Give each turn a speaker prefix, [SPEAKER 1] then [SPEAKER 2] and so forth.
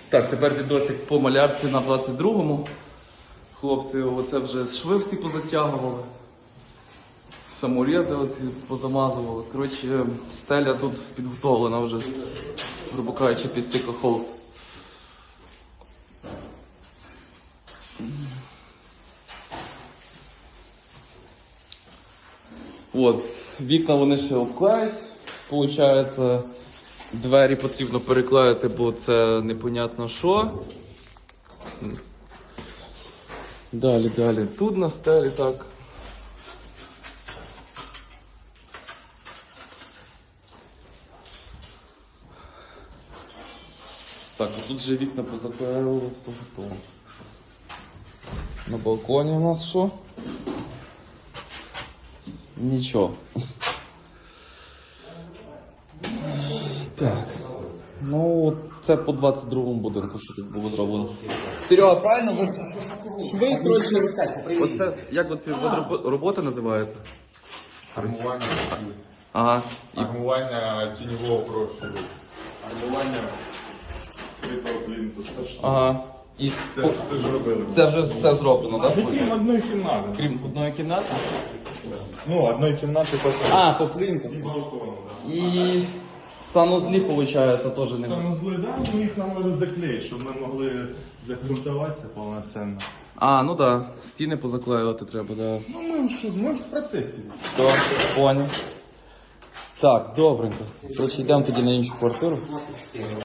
[SPEAKER 1] Так, тепер відосик по малярці на 22-му. Хлопці, оце вже шви всі позатягували. Саморези оці позамазували. Коротше, стеля тут підготовлена вже, грубо кажучи, під стікохолд. От, вікна вони ще обклеють. Получається, двері потрібно переклеїти, бо це непонятно що. Далі. Тут на стелі так. Так, а тут же вікна позаклеювалися, готово. На балконі у нас що? Нічого. Так. Ну, це по 22-му будинку, що тут було зроблено. Серега, правильно? Ви ж шви, коротше, оце, як оці роботи називаються?
[SPEAKER 2] Армування.
[SPEAKER 1] Ага.
[SPEAKER 2] Армування тіньового профілю. Армування критого плінтусу.
[SPEAKER 1] Ага. І
[SPEAKER 2] Це ж робили.
[SPEAKER 1] це вже все зроблено, так?
[SPEAKER 2] Крім одної кімнати.
[SPEAKER 1] Крім одної кімнати?
[SPEAKER 2] Ну, одної кімнати по
[SPEAKER 1] По плінтусу.
[SPEAKER 2] балкону, так.
[SPEAKER 1] І санузлі, виходить, теж не.
[SPEAKER 2] Санузли, да, ну їх нам треба заклеїти, щоб ми могли закрутуватися повноцінно.
[SPEAKER 1] Ну да, стіни позаклеювати треба, да.
[SPEAKER 2] Ну ми в процесі.
[SPEAKER 1] Все, понял. Так, добренько. Короче, йдемо тоді на іншу квартиру.